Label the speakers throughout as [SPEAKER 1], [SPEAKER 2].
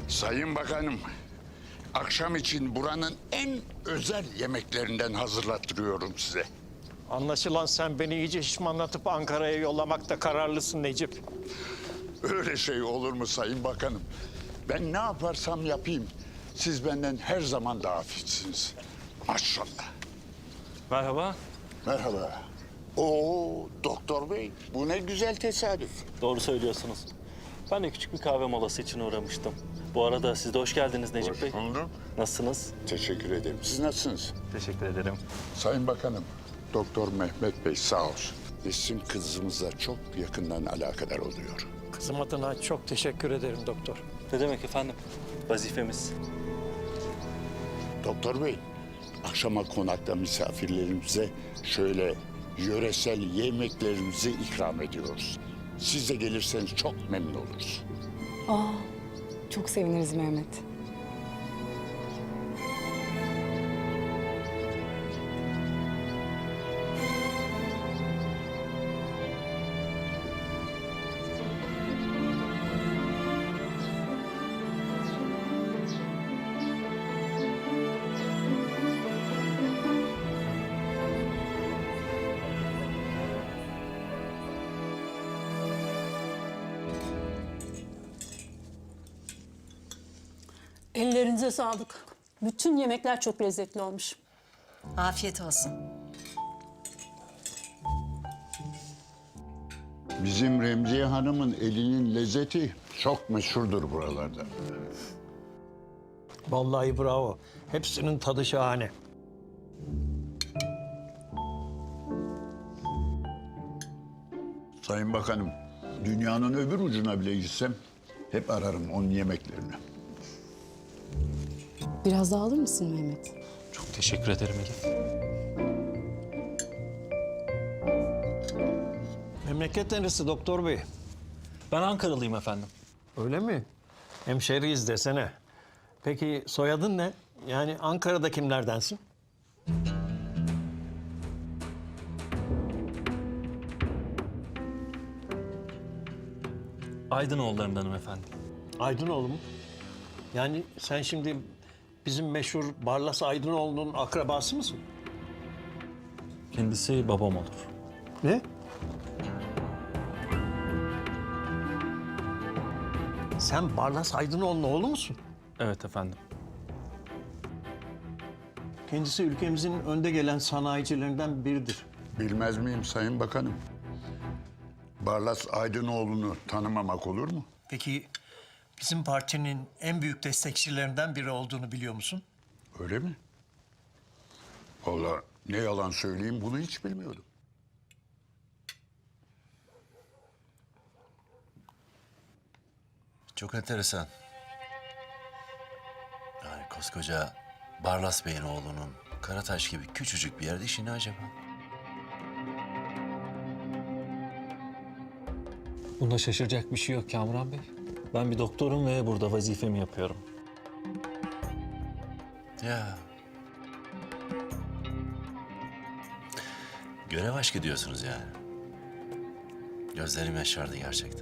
[SPEAKER 1] Sayın Bakanım, akşam için buranın en özel yemeklerinden hazırlattırıyorum size.
[SPEAKER 2] Anlaşılan sen beni iyice şişmanlatıp Ankara'ya yollamakta kararlısın Necip.
[SPEAKER 1] Öyle şey olur mu Sayın Bakanım? Ben ne yaparsam yapayım, siz benden her zaman daha fitsiniz. Maşallah.
[SPEAKER 3] Merhaba.
[SPEAKER 1] Merhaba. Oo, doktor bey, bu ne güzel tesadüf.
[SPEAKER 3] Doğru söylüyorsunuz. Ben de küçük bir kahve molası için uğramıştım. Bu arada siz de hoş geldiniz Necip Bey.
[SPEAKER 1] Hoş bulduk.
[SPEAKER 3] Nasılsınız?
[SPEAKER 1] Teşekkür ederim. Siz nasılsınız?
[SPEAKER 3] Teşekkür ederim.
[SPEAKER 1] Sayın Bakanım, Doktor Mehmet Bey sağ olsun. Bizim kızımızla çok yakından alakadar oluyor.
[SPEAKER 2] Kızım adına çok teşekkür ederim doktor.
[SPEAKER 3] Ne demek efendim? Vazifemiz.
[SPEAKER 1] Doktor Bey, akşama konakta misafirlerimize şöyle yöresel yemeklerimizi ikram ediyoruz. Siz de gelirseniz çok memnun oluruz.
[SPEAKER 4] Aa, çok seviniriz Mehmet.
[SPEAKER 5] Ellerinize sağlık. Bütün yemekler çok lezzetli olmuş.
[SPEAKER 6] Afiyet olsun.
[SPEAKER 1] Bizim Remziye Hanım'ın elinin lezzeti çok meşhurdur buralarda.
[SPEAKER 2] Vallahi bravo. Hepsinin tadı şahane.
[SPEAKER 1] Sayın Bakanım, dünyanın öbür ucuna bile gitsem hep ararım onun yemeklerini.
[SPEAKER 4] Biraz daha alır mısın Mehmet?
[SPEAKER 3] Çok teşekkür ederim Elif.
[SPEAKER 2] Memleket neresi doktor bey?
[SPEAKER 3] Ben Ankaralıyım efendim.
[SPEAKER 2] Öyle mi? Hemşeriyiz desene. Peki soyadın ne? Yani Ankara'da kimlerdensin?
[SPEAKER 3] Aydınoğullarındanım efendim.
[SPEAKER 2] Aydınoğlu mu? Yani sen şimdi bizim meşhur Barlas Aydınoğlu'nun akrabası mısın?
[SPEAKER 3] Kendisi babam olur.
[SPEAKER 2] Ne? Sen Barlas Aydınoğlu'nun oğlu musun?
[SPEAKER 3] Evet efendim.
[SPEAKER 2] Kendisi ülkemizin önde gelen sanayicilerinden biridir.
[SPEAKER 1] Bilmez miyim Sayın Bakanım? Barlas Aydınoğlu'nu tanımamak olur mu?
[SPEAKER 2] Peki bizim partinin en büyük destekçilerinden biri olduğunu biliyor musun?
[SPEAKER 1] Öyle mi? Vallahi ne yalan söyleyeyim bunu hiç bilmiyordum.
[SPEAKER 7] Çok enteresan. Yani koskoca Barlas Bey'in oğlunun Karataş gibi küçücük bir yerde işi ne acaba?
[SPEAKER 3] Bunda şaşıracak bir şey yok Kamuran Bey. Ben bir doktorum ve burada vazifemi yapıyorum.
[SPEAKER 7] Ya. Görev aşkı diyorsunuz yani. Gözlerim yaşardı gerçekten.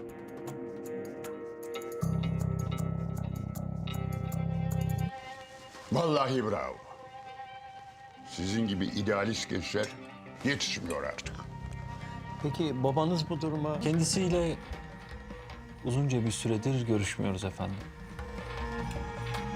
[SPEAKER 1] Vallahi bravo. Sizin gibi idealist gençler yetişmiyor artık.
[SPEAKER 2] Peki babanız bu duruma...
[SPEAKER 3] Kendisiyle uzunca bir süredir görüşmüyoruz efendim.